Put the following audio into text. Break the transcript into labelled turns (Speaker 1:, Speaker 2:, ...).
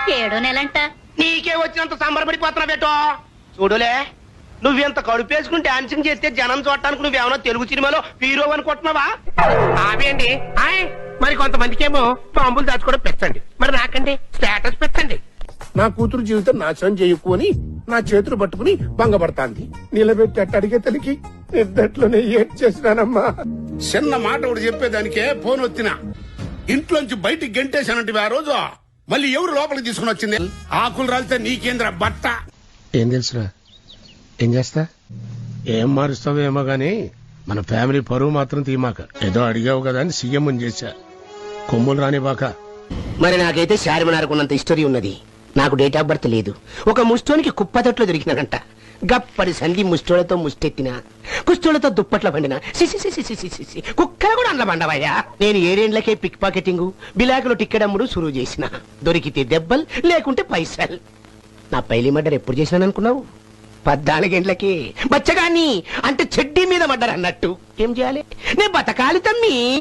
Speaker 1: ఏడో నెలంట.
Speaker 2: నీకే వచ్చినంత సంబరపడిపోతున్నా బేటో. చూడులే, నువ్వెంత కడుపేసుకుని డాన్సింగ్ చేస్తే జనం చూడటానికి నువ్వేమన్నా తెలుగు సినిమాలో హీరో అనుకుంటున్నావా?
Speaker 3: అవేండి మరి కొంతమందికేమో బాంబులు దాచుకోవడం పెంచండి, మరి నాకండి స్టేటస్ పెంచండి.
Speaker 4: నా కూతురు జీవితం నాశనం చేయకు అని నా చేతులు పట్టుకుని భంగపడతాంది. నిలబెట్టి అట్ట అడిగే తల్లికి నిద్దట్లోనే ఏడ్ చేసినానమ్మా.
Speaker 5: చిన్న మాట ఒకటి చెప్పేదానికే ఫోన్ వచ్చినా ఇంట్లోంచి బయటికి గెంటేశానంటే ఆ రోజు మళ్ళీ ఎవరు లోపలికి తీసుకుని వచ్చింది? ఆకులు రాలితే నీకేంద్ర బట్ట.
Speaker 4: ఏం తెలుసురా, ఏం చేస్తా? ఏం మారుస్తావేమో గాని మన ఫ్యామిలీ పరువు మాత్రం తీమాక. ఏదో అడిగావు కదా అని సీఎం చేశా. కొమ్ములు రానివాక.
Speaker 2: మరి నాకైతే శారమనారకున్నంత హిస్టరీ ఉన్నది. నాకు డేట్ ఆఫ్ బర్త్ లేదు. ఒక ముష్టోనికి కుప్పతొట్లో దొరికినానంట. గప్పడి సంధి ముష్టోళ్లతో ముష్టెత్తిన, కుష్టోళ్లతో దుప్పట్ల పండిన కుక్కలు కూడా అండ్ల పండవయ్యా. నేను 7 ఏళ్లకే పిక్ పాకెటింగ్, బిలాకులో టిక్కెడమ్ముడు సురువు చేసిన. దొరికితే దెబ్బల్, లేకుంటే పైసల్. నా పైలి మర్డర్ ఎప్పుడు చేసినాననుకున్నావు? 14 గంటలకి బచ్చగాన్ని అంటే చెడ్డీ మీద మర్డర్ అన్నట్టు. ఏం చేయాలి? నేను బతకాలి తమ్మి.